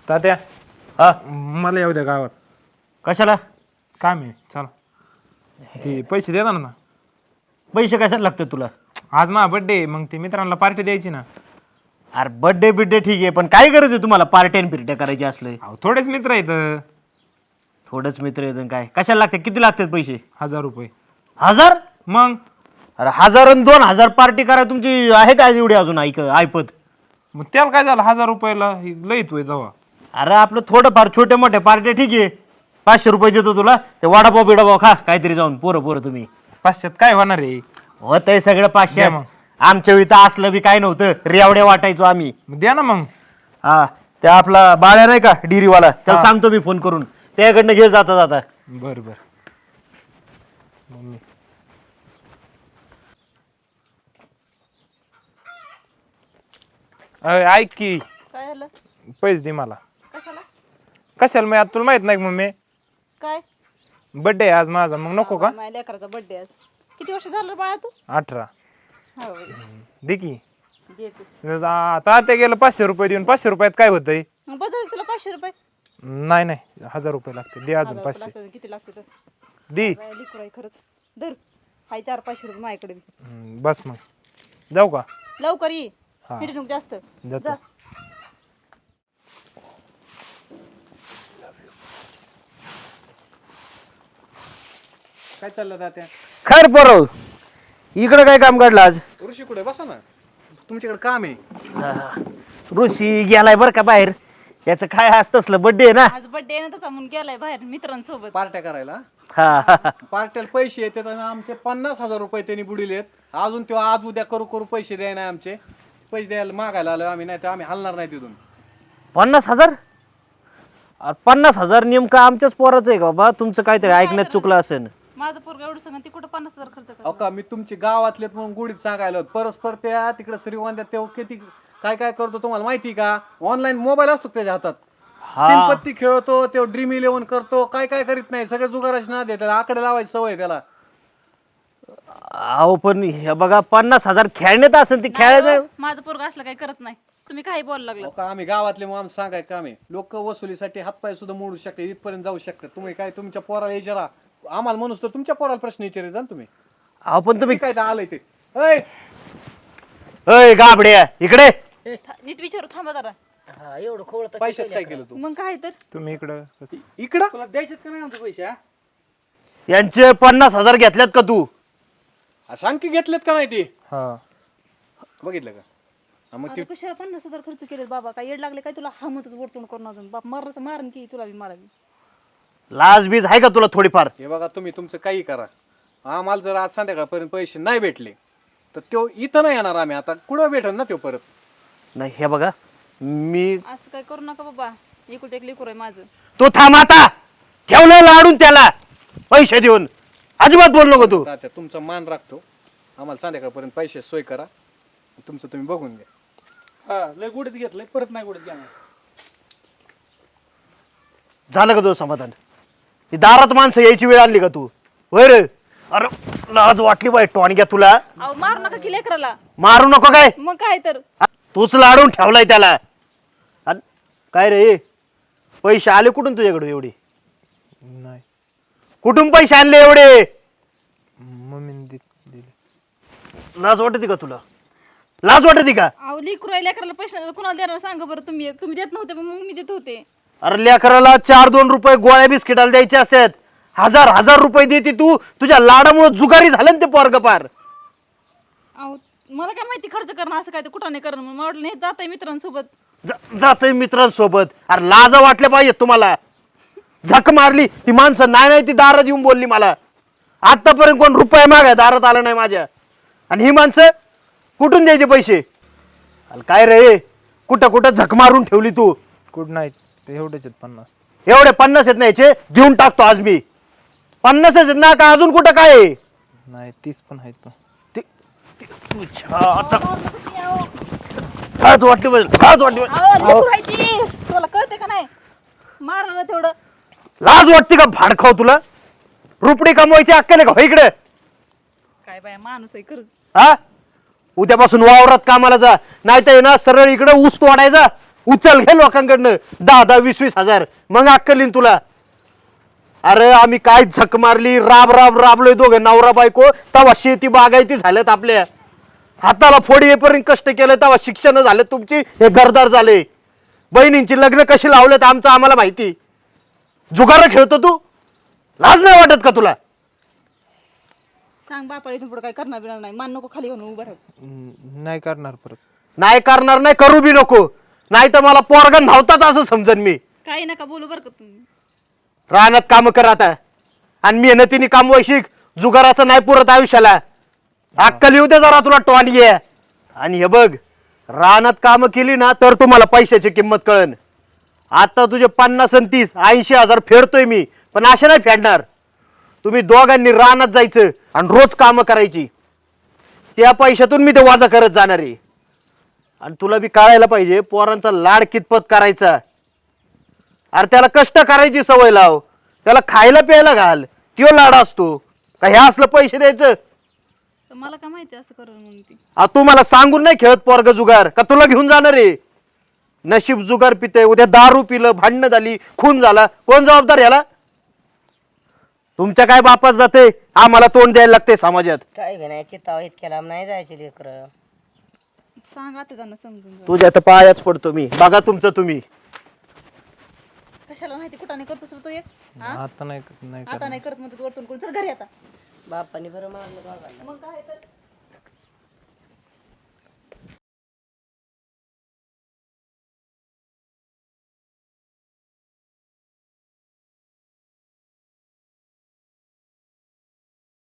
तात्या हा मला येऊ द्या गावात कशाला काम आहे चला ते पैसे देणार ना पैसे कशाला लागतात तुला आज माझा बड्डे मग ते मित्रांना पार्टी द्यायची ना अरे बर्थडे बिड्डे ठीक आहे पण काय गरज आहे तुम्हाला पार्ट्या बिर्ट्या करायचे असले अहो थोडेच मित्र आहेत थोडंच मित्र येतं काय कशाला लागते किती लागतात पैसे 1000 रुपये 1000 मग अरे 1000 आणि 2000 पार्टी करा तुमची आहे काय एवढी अजून ऐपत मग त्याला काय झालं 1000 रुपयाला लई तोय जावा अरे आपलं थोडंफार छोट्या मोठ्या पार्ट्या ठीक आहे 500 रुपये देतो तुला ते वडापाव बिडापाव खा काहीतरी जाऊन पोरं तुम्ही 500 काय होणार आहे होत आहे सगळं 500 द्या मग. आमच्या वेळी तर असलं बी काय नव्हतं रेवड्या वाटायचो आम्ही मग द्या ना मग हा त्या आपला बाळ्या नाही का डिरीवाला त्याला हा. सांगतो मी फोन करून त्याकडनं घे जाता जाता बर बर मम्मी ऐक की काय झालं पैसे दे मला कशाला कशाला मग आता तुला माहित नाही का मम्मी काय बड्डे आहे आज माझा मग नको का माझ्या लेकराचा बर्थडे आज किती वर्ष झालं बाळा तू 18 हो दे की दे तू आता ते गेलं 500 रुपये देऊन 500 रुपयात काय होतंय मग बजाव तुला 500 रुपये नाही नाही 1000 रुपये लागते दे अजून 1000 500 लागतात, किती लागते तर दे लिकूर आहे खरंच धर हाय 400-500 रुपये माझ्याकडे बी. बस मग जाऊ का लवकर ये हा. फिट नको जास्त जातो. जा काय चाललं तात्या खैर पोरव इकडं काय काम काढलं आज ऋषी कुठे बसा ना तुमच्याकडे काम आहे ऋषी गेलाय बरं का बाहेर याचं काय असतं असलं बर्थडे आहे ना आज बर्थडे आहे ना त्याचा म्हणून गेलाय बाहेर मित्रांसोबत पार्ट्या करायला हा पार्ट्याला पैसे येतात आणि आमचे 50,000 रुपये त्यांनी बुडिलेत अजून तो आज उद्या करू करू पैसे द्याय नाही आमचे पैसे द्यायला मागायला आलो आम्ही नाही तर आम्ही हलणार नाही तिथून 50,000 50,000 नेमकं आमच्याच पोराचं आहे का बाबा तुमचं काहीतरी ऐकण्यात चुकलं असेल माझं पोरग एवढं सांगा ती कुठं 50,000 खर्च अहो करतो का मी तुमचे गावातलेत म्हणून गुढीत सांगायला होत. परस्पर त्या तिकडे श्रीगोंद्यात तेव्हा किती काय काय करतो तुम्हाला माहिती का ऑनलाईन मोबाईल असतो त्याच्या हातात हा तीनपत्ती खेळतो तो ड्रीम 11 करतो काय काय करीत नाही सगळे जुगाराची ना दे त्याला आकडे लावायची सवय त्याला अहो पण हे बघा 50,000 खेळण्यात असेल ती खेळायचं माझं पोरग असलं काही करत नाही तुम्ही काही बोलायला लागलं अहो का आम्ही गावातले मग आम्ही सांगाय काम आहे लोक वसुलीसाठी हातपाय सुद्धा मोडू शकते इथपर्यंत जाऊ शकतात तुम्ही काय तुमच्या पोराला विचारा आम्हाला म्हणूस तर तुमच्या पोराला प्रश्न विचारायचा ना तुम्ही अहो पण तुम्ही काय आलंय ते ऐ, अय गाबड्या इकडे नीट विचारू थांबा जरा पैशात काय केलं तू मग काय तर तुम्ही इकडं इकडं तुला द्यायचेत का नाही आमचे पैसे हा? यांचे 50,000 घेतल्यात का तू हा, सांग की घेतलेत का नाही ते हा बघितलं का हा, मग ते अरे कशाला 50,000 खर्च केले बाबा काय येड लागले काय तुला हमतच वरतून करून अजून बाप मारायचं मारन की तुला बी मारावी लाज बीज आहे का तुला थोडीफार हे बघा तुम्ही तुमचं काही करा आम्हाला जर आज संध्याकाळपर्यंत पैसे नाही भेटले तर तो इथं नाही येणार आम्ही आता कुठं भेटल ना तो परत नाही हे बघा मी असं काय करू नका बाबा एकुलते एक लेकरू आहे माझं तो थांब आता ठेवलं लाडून त्याला पैसे देऊन अजिबात बोल नको तू तात्या तुमचा मान राखतो आम्हाला संध्याकाळपर्यंत पैसे सोय करा तुमचं तुम्ही बघून घ्या हा लय गुडीत घेतलंय परत नाही गुडीत घेणार झालं का तुझं समाधान ही दारात माणसं यायची वेळ आली का तू होय रे अरे लाज वाटली बाई टोणग्या तुला अहो मारू नका की लेकराला मारू नको काय मग काय तर तूच लाडून ठेवलाय त्याला अन काय रे पैसे आले कुठून तुझ्याकडे एवढे नाही कुठून पैसे आणले एवढे मम्मीने दिले लाज वाटते का तुला लाज वाटते का अहो लेकरू आहे लेकराला पैसे नाही तर कुणाला देणार सांगा बरं तुम्ही तुम्ही देत नव्हते पण मग मी देत होते अरे लेकराला 4-2 रुपये गोळ्या बिस्किटाला द्यायचे असतात 1000 रुपये देते तू तुझ्या लाडामुळे जुगारी झालं ना ते पोरग पार अहो मला काय माहिती खर्च करणं असं काय तर कुठं नाही करणं मला वाटलं नाही जात आहे मित्रांसोबत जातय मित्रांसोबत अरे लाजा वाटल्या पाहिजे तुम्हाला झक मारली ही माणसं नाही ती दारात येऊन बोलली मला आतापर्यंत कोण रुपये मागाय दारात आला नाही माझ्या आणि ही माणसं कुठून द्यायचे पैसे अरे काय रे कुठं कुठं झक मारून ठेवली तू गुड नाईट ते एवढेच आहेत 50 एवढे 50 आहेत नाहीचे देऊन टाकतो आज मी 50 आहेत ना का अजून कुठं काय आहे? नाही 30 पण आहेत तो लाज वाटली पाहिजे लाज वाटली पाहिजे. तुला कळते का नाही मारलं तेवढं लाज वाटते का भाडखाव तुला रुपडी कमवायची अक्कल आहे का हो इकडे काय बाय माणूस आहे खरंच हा उद्यापासून वावरात कामाला जा नाही तर ना सरळ इकडे ऊस तोडायचा उचल घे लोकांकडनं 10-10, 20-20 हजार, मग अक्कल येईन तुला. अरे आम्ही काय झक मारली, राबलोय दोघं नवरा बायको, तेव्हा शेती बागायती झाल्यात आपल्या हाताला फोडी येईपर्यंत कष्ट केलं, तेव्हा शिक्षण झाले तुमची, हे घरदार झाले. बहिणींची लग्न कशी लावलेत आमचं आम्हाला माहिती. जुगार खेळतो तू, लाज नाही वाटत का तुला? सांग बापा इथून पुढे काय करणार बिणार नाही, मान नको खाली घेऊन उभं राहू. नाही करणार परत. नाही करणार नाही, करू बी नको, नाही तर मला पोरगा नव्हताच असं समजन मी. काही नका बोलू बरं का तुम्ही. रानात काम कर आता, आणि मेहनतीने काम शिक. जुगाराचं नाही पुरत आयुष्याला. अक्कल येऊ दे जरा तुला टोंडी आहे. आणि हे बघ, रानात काम केली ना तर तुम्हाला पैशाची किंमत कळन. आता तुझे 50 आणि 30, 80 हजार फेडतोय मी, पण असे नाही फेडणार. तुम्ही दोघांनी रानात जायचं आणि रोज काम करायची, त्या पैशातून मी ते वाजा करत जाणार आहे. आणि तुला बी कळायला पाहिजे पोरांचा लाड कितपत करायचा. अरे त्याला कष्ट करायची सवय लाव, त्याला खायला प्यायला घाल, त्यो लाड असतो का हे असलं पैसे द्यायचं? तर मला काय माहिती असं करून म्हणून ती. तू मला सांगून नाही खेळत पोरग जुगार, का तुला घेऊन जाणार आहे? नशीब जुगार पिते, उद्या दारू पिलं, भांडणं झाली, खून झाला, कोण जबाबदार याला? तुमच्या काय बापात जाते, आम्हाला तोंड द्यायला लागते समाजात. काय घेण्याची ताव इतक्या लांब नाही जायचे लेकर. सांग आता त्यांना समजून जा. तुझ्या तर पायाच पडतो मी, बघा तुमचं तुम्ही. कशाला माहिती कुठं नाही करतोस रे तू एक? हा? आता नाही आता नाही करत म्हणतो वरतून कोण. चल घरी आता. बापाने बरं मारलं बाबांना. मग काय तर